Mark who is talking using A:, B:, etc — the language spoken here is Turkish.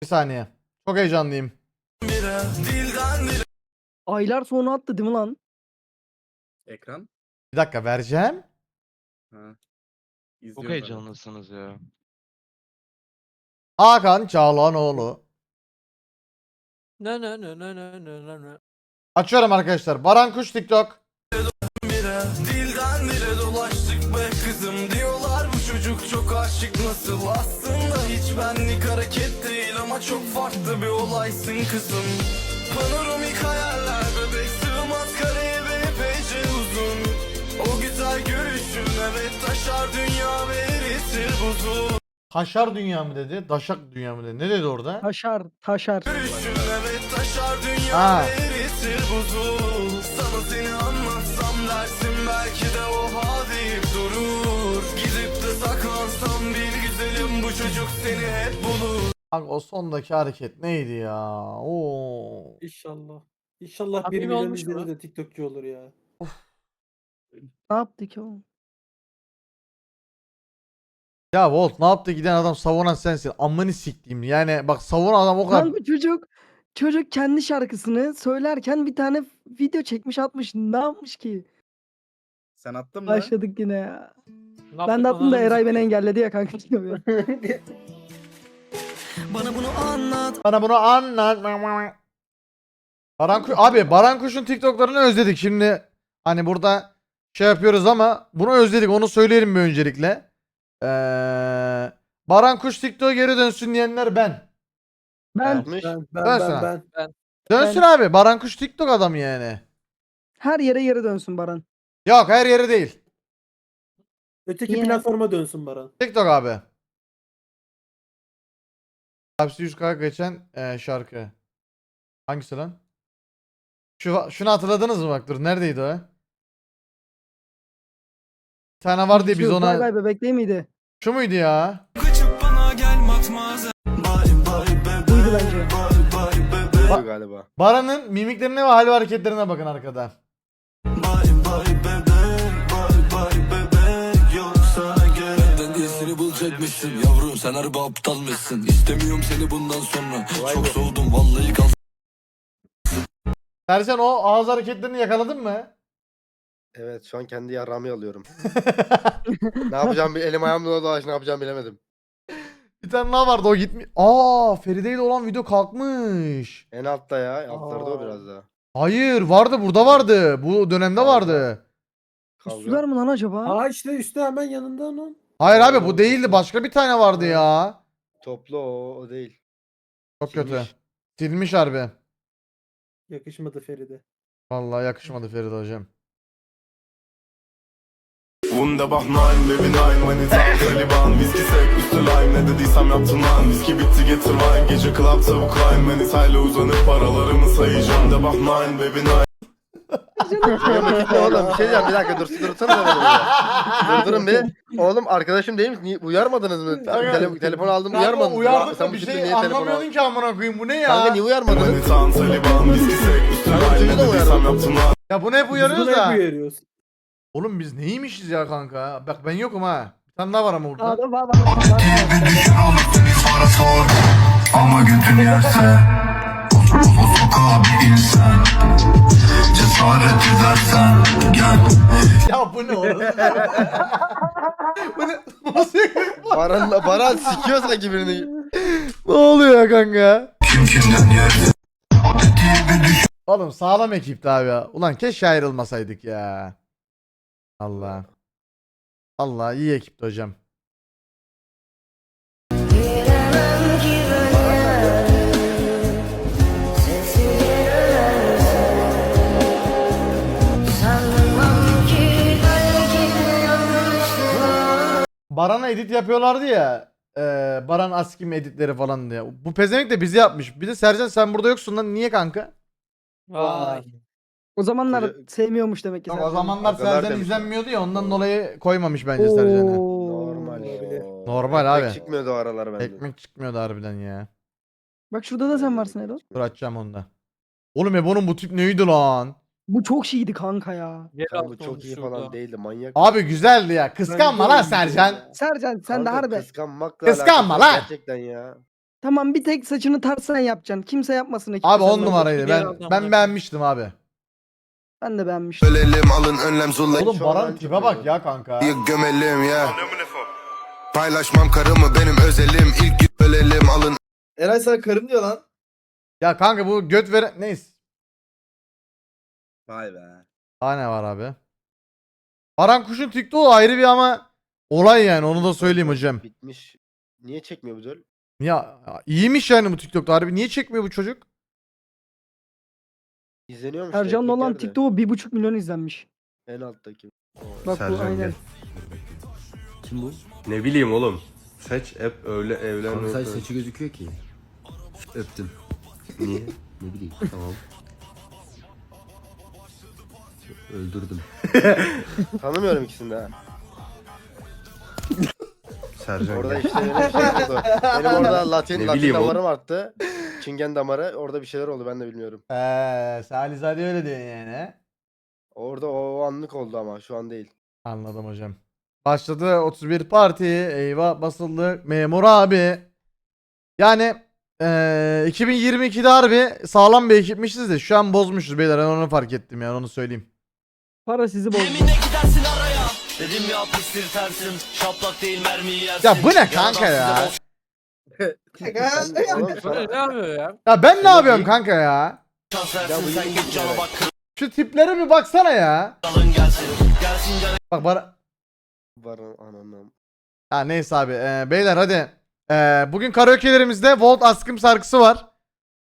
A: Bir saniye. Çok heyecanlıyım.
B: Aylar sonra attı değil mi lan?
C: Ekran.
A: Bir dakika vereceğim.
C: Ha.
D: Çok
C: İzliyoruz
D: heyecanlısınız ya.
A: Hakan Çağlanoğlu.
E: Ne ne ne ne ne ne ne ne.
A: Açıyorum arkadaşlar. Baran Kuş TikTok.
F: Dilden dile dolaştık be kızım diyorlar bu çocuk çok aşık nasıl aslında hiç benlik hareket değil ama çok farklı bir olaysın kızım. Panoramik hayaller bebek sığmaz kareye ve epeyce uzun. O güzel görüşün evet taşar dünya ve eritir buzu.
A: Taşar dünya mı dedi? Daşak dünya mı dedi? Ne dedi orada?
B: Taşar.
F: Görüşün evet taşar dünya
A: Ha.
F: ve eritir buzu. Sana seni anlatsam dersin belki de oha deyip durur. Gidip de saklansam bir güzelim bu çocuk seni hep bulur.
A: Kanka o sondaki hareket neydi ya? Oo.
E: İnşallah. İnşallah
B: Abi
E: 1 milyon
B: olmuş
E: izlenir
B: mu?
E: de TikTokçu olur ya.
B: Ne yaptı ki o?
A: Ya Volt ne yaptı giden adam savunan sensin. Amını siktiğim. Yani bak savunan adam o kadar.
B: Kanka çocuk kendi şarkısını söylerken bir tane video çekmiş atmış. Ne yapmış ki?
C: Sen attın mı?
B: Başladık yine ya.
E: Ne
B: Ben
E: yaptık
B: de attım da
E: ananı
B: Eray beni
E: sikeyim.
B: engelledi ya kanka.
F: Bana bunu anlat.
A: Bana bunu anlat. Abi Baran Kuş'un TikTok'larını özledik. Şimdi hani burada şey yapıyoruz ama bunu özledik. Onu söyleyelim bir öncelikle. Baran Kuş TikTok'a geri dönsün diyenler ben.
B: Ben
E: Ben.
A: Dönsün abi. Baran Kuş TikTok adamı yani.
B: her yere geri dönsün Baran.
A: Yok her yeri değil.
E: Öteki
B: Niye?
E: platforma dönsün Baran.
A: TikTok abi. Hapsi 100K geçen şarkı. Hangisi lan? Şunu hatırladınız mı bak dur neredeydi o? Bir tane var diye biz
B: Şu Bay
A: ona...
B: Bay Bebek değil miydi?
A: Şu muydu ya?
F: Kaçıp bana gel matmazel. Bye bye bebe.
B: Buydu bence.
F: Bye bye bebe.
C: Galiba.
A: Baran'ın mimiklerine ve hal ve hareketlerine bakın arkada.
F: Bye bye bebe. Bye bye bebe. Yok sana göre.
G: Ben iyisini bulacakmışsın yavrum sen harbi aptal mısın? İstemiyorum seni bundan sonra. Çok soğudum vallahi kal.
A: Sercan o ağız hareketlerini yakaladın mı?
H: Evet şu an kendi yarrağımı alıyorum. Ne yapacağım bir elim ayağım dolaş ne yapacağım bilemedim.
A: Bir tane daha vardı o gitmiş. Aa Feride ile olan video kalkmış.
H: En altta ya altlarda o
E: Aa.
H: biraz daha.
A: Hayır vardı burada vardı. Bu dönemde vardı.
B: Üstüler
H: Kavga.
B: mi lan acaba?
E: Aa işte üstte hemen yanında onun.
A: Hayır abi bu değildi başka bir tane vardı ya.
H: Toplu o değil.
A: Çok
H: Silmiş.
A: kötü. Silmiş harbi.
E: Yakışmadı Feride.
A: Vallahi yakışmadı Feride hocam.
F: Wunderbar nein, baby nein, meine Tat Taliban Viski sek, üstü lime, ne dediysem yaptın lan Viski bitti getir wine, gece club tavuk line Manitayla uzanıp paralarımı sayacağım Wunderbar nein, baby nein.
H: Oğlum bir şey diyeceğim bir dakika dursana da beni. Durun bir. Oğlum arkadaşım değil mi? Niye, uyarmadınız mı? Telefon aldım uyarmadınız.
A: Uyardık
H: Sen
A: da
H: bu
A: bir
H: şekilde
A: şey
H: niye telefon
A: anlamıyordun
H: aldın?
A: ki amına koyayım bu ne ya?
H: Kanka niye uyarmadınız?
F: Manitan Taliban, viski sek, üstü
H: Kanka
F: lime,
H: çocuğu
F: ne
H: da
F: dediysem
H: uyarmadın.
F: yaptın lan
A: Ya bunu hep uyarıyoruz
E: Biz bunu hep
A: da.
E: uyarıyoruz.
A: Oğlum biz neymişiz ya kanka? Bak ben yokum ha. Bir tane daha var ama burada.
B: Aa, var.
G: Ama götün yerse o sokağa bir insan. Cesaret edersen gel.
A: Ya bu ne oğlum? Bu ne? Bu nasıl?
H: Baran sikiyor sanki birini.
A: Ne oluyor ya kanka?
G: Kim kimden yerse o dediği bir düşün.
A: Oğlum sağlam ekipti abi ya. Ulan keşke ayrılmasaydık ya. Allah. Allah iyi ekipti hocam.
I: Bilemem ki böyle sesi gelemezsin. Sanmam ki belki de yanlışlık.
A: Baran'a edit yapıyorlardı ya. Baran Askim editleri falan diye. Bu pezevenk de bizi yapmış. Bir de Sercan sen burada yoksun lan. Niye kanka?
E: Vay.
B: O zamanlar
H: Koca-
B: sevmiyormuş demek ki.
A: Yok, o
B: Sercan.
A: zamanlar
H: Agalar
A: Sercan
H: demiş
A: izlenmiyordu ya ondan dolayı koymamış bence Sercan'ı.
B: Oo.
H: Normal.
E: Olabilir.
H: o.
A: Normal
H: Ekmek
A: abi.
H: çıkmıyordu o aralar bende.
A: Ekmek çıkmıyordu harbiden ya.
B: Bak şurada da sen varsın Erol.
A: Dur açacağım onu da. Oğlum Ebo'nun bu tip neydi lan?
B: Bu çok şeydi kanka ya.
H: Kanka bu çok iyi falan değildi manyak.
A: Abi güzeldi ya. Kıskanma lan Sercan.
B: Sercan sen de
H: Kanka
B: harbi.
H: Kıskanmakla
A: Kıskanma
H: alakası yok
A: lan.
H: Gerçekten ya.
B: Tamam bir tek saçını tartsan yapacaksın. Kimse yapmasın ekipte.
A: Abi
B: sen
A: 10
B: de.
A: numaraydı.
E: diğer
A: Ben
E: adamlar.
A: beğenmiştim abi.
B: Ben de beğenmiştim.
F: Ölelim alın önlem zullayı
A: Oğlum
H: şu an
A: Baran
H: ben
A: tipe
H: çok
A: bak
H: beğendim.
A: ya kanka.
F: gömelim ya. Paylaşmam karımı benim özelim. İlk gün ölelim alın.
D: Eray sana karım diyor lan.
A: Ya kanka bu göt veren neyse.
C: Vay be.
A: Daha ne var abi? Baran Kuş'un TikTok'u ayrı bir ama olay yani onu da söyleyeyim hocam.
H: Bitmiş. Niye çekmiyor bu döl?
A: Ya iyiymiş yani bu TikTok'ta harbi. Niye çekmiyor bu çocuk?
H: İzleniyormuş.
B: Ercan'la olan
H: repliklerde.
B: TikTok'u 1,5 milyon izlenmiş.
H: En alttaki.
B: Bak bu aynen.
J: Kim bu?
D: Ne bileyim oğlum. Saç hep öyle evlen.
J: Kanka sadece saçı gözüküyor ki. Öptüm.
D: Niye?
J: Ne bileyim tamam. Öldürdüm.
H: Tanımıyorum ikisini de ha.
D: Sercan
H: Orada
D: gel.
H: işte benim şey oldu. Benim orada Latin
D: bileyim oğlum.
H: damarım arttı. Çingen damarı. Orada bir şeyler oldu ben de bilmiyorum.
A: Salizade öyle diyor yani.
H: Orada o anlık oldu ama şu an değil.
A: Anladım hocam. Başladı 31 parti. Eyvah basıldı. Memur abi. Yani 2022'de harbi sağlam bir ekipmişiz de şu an bozmuşuz beyler. Ben onu fark ettim yani onu söyleyeyim.
B: Para sizi bozdu.
F: Yeminle gidersin araya. Dedim ya pistir tersin. Şaplak değil mermiyi yersin.
A: Ya bu ne kanka ya?
H: Oğlum,
E: Bu ne yapıyor ya?
A: Ya ben ne yapıyorum kanka ya?
F: Şans
H: Ya
F: versin
H: bu
F: sen
H: iyi
F: git
H: bir
F: cana
H: şey.
F: bak.
A: Şu tiplere bir baksana ya.
F: Kralın gelsin. Gelsin cana.
A: Bak bana.
H: Baran ananam.
A: Ha neyse abi. Beyler hadi. Bugün karaoke'lerimizde Volt Askım şarkısı var.